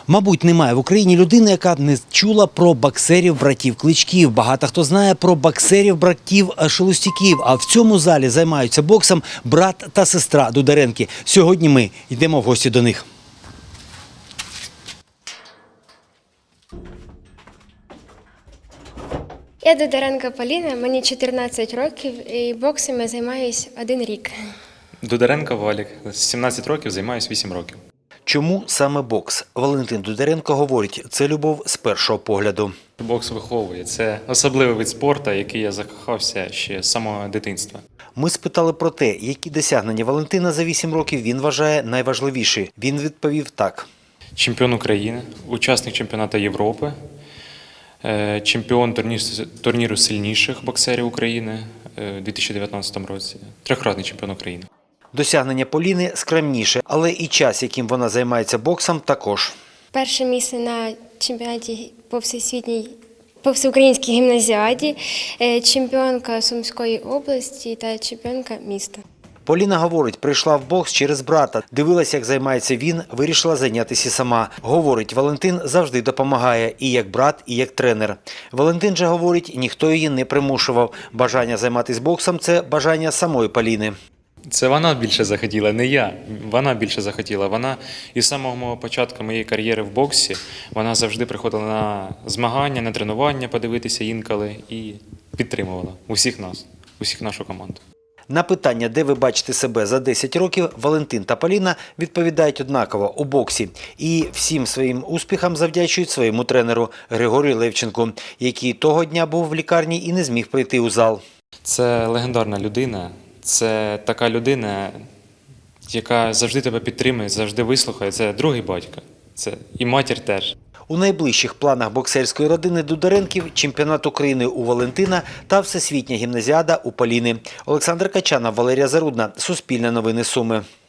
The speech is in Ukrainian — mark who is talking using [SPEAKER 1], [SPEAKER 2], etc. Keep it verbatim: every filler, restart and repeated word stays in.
[SPEAKER 1] Мабуть, немає в Україні людини, яка б не чула про боксерів братів Кличків. Багато хто знає про боксерів братів Шелустяків. А в цьому залі займаються боксом брат та сестра Дударенки. Сьогодні ми йдемо в гості до них.
[SPEAKER 2] Я Дударенко Поліна, мені чотирнадцять років і боксом я займаюся один рік.
[SPEAKER 3] Дударенко Валік. З сімнадцяти років займаюся вісім років.
[SPEAKER 1] Чому саме бокс? Валентин Дударенко говорить, це любов з першого погляду.
[SPEAKER 3] Бокс виховує. Це особливий вид спорту, який я закохався ще з самого дитинства.
[SPEAKER 1] Ми спитали про те, які досягнення Валентина за вісім років він вважає найважливіші. Він відповів так.
[SPEAKER 3] Чемпіон України, учасник чемпіонату Європи, е, чемпіон турнір- турніру сильніших боксерів України е, у дві тисячі дев'ятнадцятому році, трьохкратний чемпіон України.
[SPEAKER 1] Досягнення Поліни скромніше, але і час, яким вона займається боксом, також.
[SPEAKER 2] Перше місце на чемпіонаті по всесвітній, по всеукраїнській гімназіаді, е, чемпіонка Сумської області та чемпіонка міста.
[SPEAKER 1] Поліна говорить, прийшла в бокс через брата. Дивилася, як займається він, вирішила зайнятися сама. Говорить, Валентин завжди допомагає і як брат, і як тренер. Валентин же говорить, ніхто її не примушував. Бажання займатися боксом – це бажання самої Поліни.
[SPEAKER 3] Це вона більше захотіла, не я. Вона більше захотіла. Вона із самого мого початку моєї кар'єри в боксі, вона завжди приходила на змагання, на тренування подивитися інколи і підтримувала усіх нас, усіх нашу команду.
[SPEAKER 1] На питання, де ви бачите себе за десять років, Валентин та Поліна відповідають однаково – у боксі. І всім своїм успіхам завдячують своєму тренеру Григорію Левченку, який того дня був в лікарні і не зміг прийти у зал.
[SPEAKER 3] Це легендарна людина. Це така людина, яка завжди тебе підтримує, завжди вислухає. Це другий батько. Це і матір теж.
[SPEAKER 1] У найближчих планах боксерської родини Дударенків – чемпіонат України у Валентина та всесвітня гімназіада у Поліни. Олександр Качанов, Валерія Зарудна. Суспільне новини Суми.